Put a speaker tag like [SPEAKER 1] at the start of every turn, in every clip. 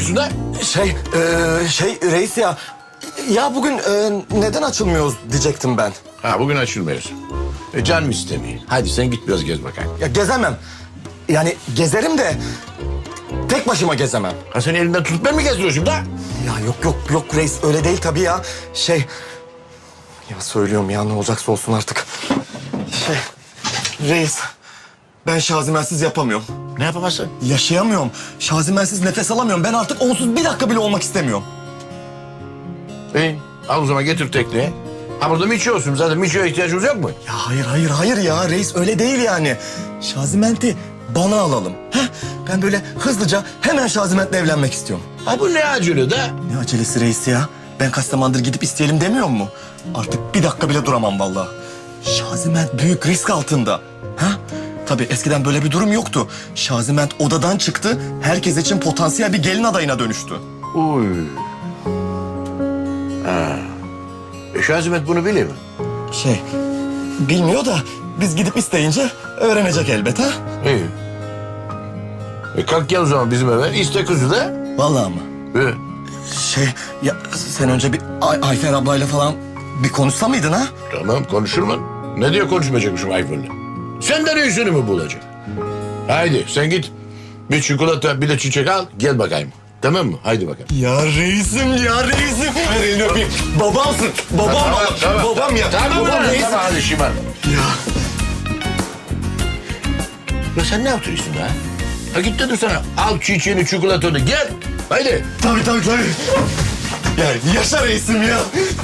[SPEAKER 1] yapıyorsun da?
[SPEAKER 2] Reis ya. Ya bugün neden açılmıyoruz diyecektim ben.
[SPEAKER 1] Ha, bugün açılmıyoruz. Canım istemiyor. Hadi sen git biraz gez bakayım.
[SPEAKER 2] Ya gezemem. Yani gezerim de tek başıma gezemem.
[SPEAKER 1] Ha, seni elinden tutup ben mi gezdiriyorsun da?
[SPEAKER 2] Ya yok reis öyle değil tabii ya. Ya söylüyorum ya ne olacaksa olsun artık. Reis ben Şazimensiz yapamıyorum.
[SPEAKER 1] Ne yapamazsın?
[SPEAKER 2] Yaşayamıyorum. Şazimensiz nefes alamıyorum. Ben artık onsuz bir dakika bile olmak istemiyorum.
[SPEAKER 1] İyi. Al o zaman getir tekneye. Ha, burada Miço olsun. Zaten Miço'ya ihtiyacımız yok mu?
[SPEAKER 2] Ya hayır ya reis öyle değil yani. Şazimenti bana alalım. Ben böyle hızlıca hemen Şaziment'le evlenmek istiyorum.
[SPEAKER 1] Ha, bu ne acele da?
[SPEAKER 2] Ne acelesi reis ya? Ben kaç zamandır gidip isteyelim demiyor mu? Artık bir dakika bile duramam vallahi. Şaziment büyük risk altında. Tabii eskiden böyle bir durum yoktu. Şaziment odadan çıktı, herkes için potansiyel bir gelin adayına dönüştü.
[SPEAKER 1] Uy. Ha. Şazimet bunu biliyor mu?
[SPEAKER 2] Bilmiyor da biz gidip isteyince öğrenecek elbet ha?
[SPEAKER 1] İyi. Kalk gel o zaman bizim eve. İste kızı da.
[SPEAKER 2] Vallahi mı?
[SPEAKER 1] Evet.
[SPEAKER 2] Ya sen önce bir Ayfer ablayla falan bir konuşsa mıydın ha?
[SPEAKER 1] Tamam, konuşur mu? Ne diye konuşmayacakmışım Ayfer'le? Senden iyisini mi bulacak? Haydi sen git. Bir çikolata bir de çiçek al. Gel bakayım. Tamam mı? Haydi bakalım.
[SPEAKER 2] Ya reisim. Ver elini öpeyim. Babamsın. Babam ya. Babam reis.
[SPEAKER 1] Tamam, hadi şımarma.
[SPEAKER 2] Ya.
[SPEAKER 1] Ya sen ne yaptırıyorsun ha? Ha, git dedim sana. Al çiçeğini, çikolatanı, gel. Haydi.
[SPEAKER 2] Tabii. Ya yaşa reisim ya.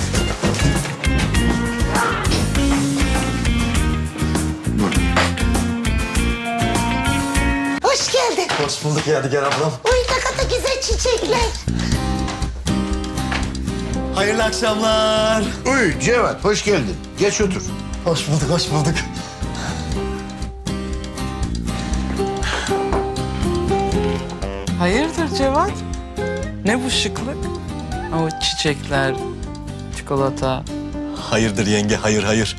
[SPEAKER 3] Hoş geldin.
[SPEAKER 2] Hoş bulduk Yadigar ablam.
[SPEAKER 3] Uy ne kadar güzel çiçekler.
[SPEAKER 2] Hayırlı akşamlar.
[SPEAKER 1] Uy Cevat, hoş geldin. Geç otur.
[SPEAKER 2] Hoş bulduk.
[SPEAKER 4] Hayırdır Cevat? Ne bu şıklık? O çiçekler, çikolata.
[SPEAKER 2] Hayırdır yenge, hayır.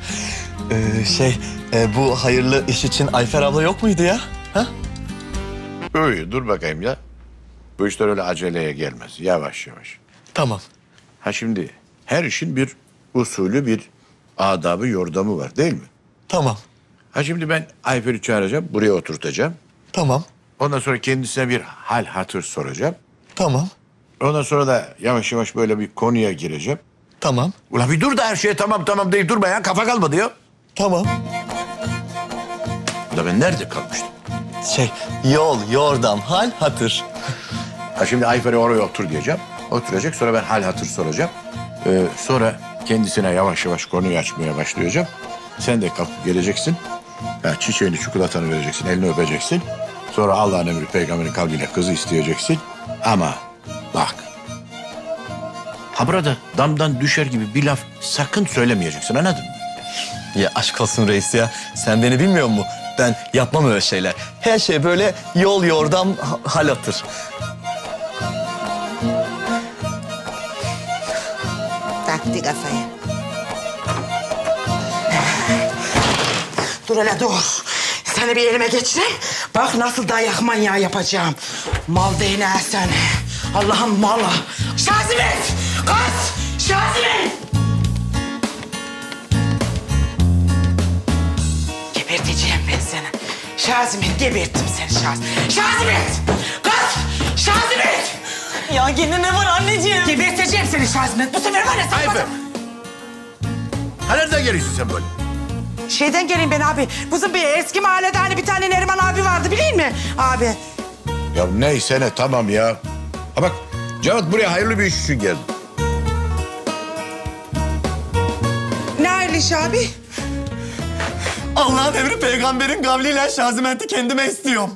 [SPEAKER 2] Bu hayırlı iş için Ayfer abla yok muydu ya? Ha?
[SPEAKER 1] Uy, dur bakayım ya. Bu işler öyle aceleye gelmez. Yavaş.
[SPEAKER 2] Tamam.
[SPEAKER 1] Ha, şimdi her işin bir usulü, bir adabı, yordamı var değil mi?
[SPEAKER 2] Tamam.
[SPEAKER 1] Ha, şimdi ben Ayfer'i çağıracağım, buraya oturtacağım.
[SPEAKER 2] Tamam.
[SPEAKER 1] Ondan sonra kendisine bir hal hatır soracağım.
[SPEAKER 2] Tamam.
[SPEAKER 1] Ondan sonra da yavaş yavaş böyle bir konuya gireceğim.
[SPEAKER 2] Tamam.
[SPEAKER 1] Ulan bir dur da her şeye tamam deyip durma ya. Kafa kalmadı ya.
[SPEAKER 2] Tamam.
[SPEAKER 1] Ulan ben nerede kalmıştım?
[SPEAKER 2] Yol, yordam, hal, hatır.
[SPEAKER 1] Ha, şimdi Ayfer'e oraya otur diyeceğim. Oturacak, sonra ben hal hatır soracağım. Sonra kendisine yavaş yavaş konuyu açmaya başlayacağım. Sen de kalkıp geleceksin. Ha, çiçeğini, çikolatanı vereceksin, elini öpeceksin. Sonra Allah'ın emri peygamberin kavliyle kızı isteyeceksin. Ama bak. Ha, burada damdan düşer gibi bir laf sakın söylemeyeceksin, anladın mı?
[SPEAKER 2] Ya aşk olsun reis ya. Sen beni bilmiyor musun? Ben yapmam öyle şeyler. Her şey böyle yol, yordam, hal, hatır.
[SPEAKER 3] Taktı kafaya. Dur hele dur. Seni bir elime geçireyim. Bak nasıl dayak manyağı yapacağım. Mal değneği seni. Allah'ın malı. Şazimet! Kız! Şazimet! Geberteceğim ben seni. Şazimet, geberttim seni Şazimet. Şazimet! Kız! Şazimet!
[SPEAKER 4] Ya yine ne var anneciğim?
[SPEAKER 3] Geberteceğim seni Şazimet. Bu sefer var ya sen...
[SPEAKER 1] Ayfer! Ha, nereden geliyorsun sen böyle?
[SPEAKER 3] Şeyden geleyim ben abi. Bizim bir eski mahallede hani bir tane Neriman abi vardı biliyor musun abi?
[SPEAKER 1] Ya neyse ne, tamam ya. Ha bak, Cevat buraya hayırlı bir iş için geldi.
[SPEAKER 3] Ne hayırlı iş abi?
[SPEAKER 2] Allah'ın emri peygamberin kavliyle Şazimenti kendime istiyorum.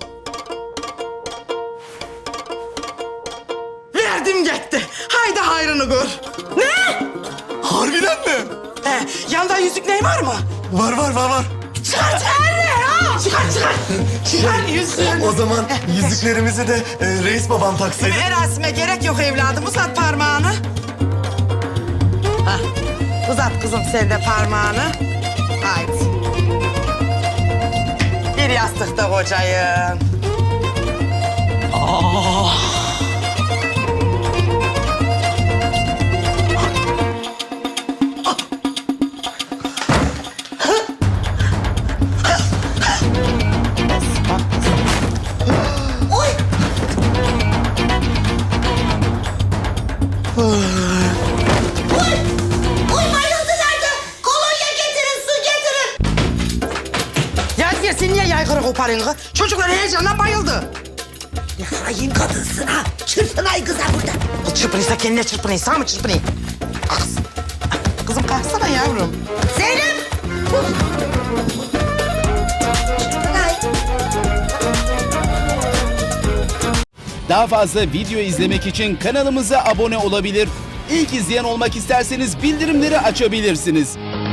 [SPEAKER 3] Verdim gitti. Haydi hayrını gör. Ne?
[SPEAKER 2] Harbiden mi?
[SPEAKER 3] Yanında yüzük ney var mı?
[SPEAKER 2] Var.
[SPEAKER 3] Çıkar ne ha? Çıkar yüzüğünü.
[SPEAKER 2] O zaman yüzüklerimizi de reis babam taksaydı.
[SPEAKER 3] Erasime gerek yok evladım. Uzat parmağını. Hah. Uzat kızım sen de parmağını. Haydi. Bir yastıkta kocayın. sen niye yaygara koparıyorsun kız? Çocuklar heyecanla bayıldı.
[SPEAKER 5] Ne hain kadınsın ha. Çırpınay kıza burada.
[SPEAKER 3] Kız çırpınıysa kendine çırpınayım. Sağ mı çırpınayım? Kız. Kızım kalksana yavrum.
[SPEAKER 5] Zeynep. Çırpınay.
[SPEAKER 6] Daha fazla video izlemek için kanalımıza abone olabilir. İlk izleyen olmak isterseniz bildirimleri açabilirsiniz.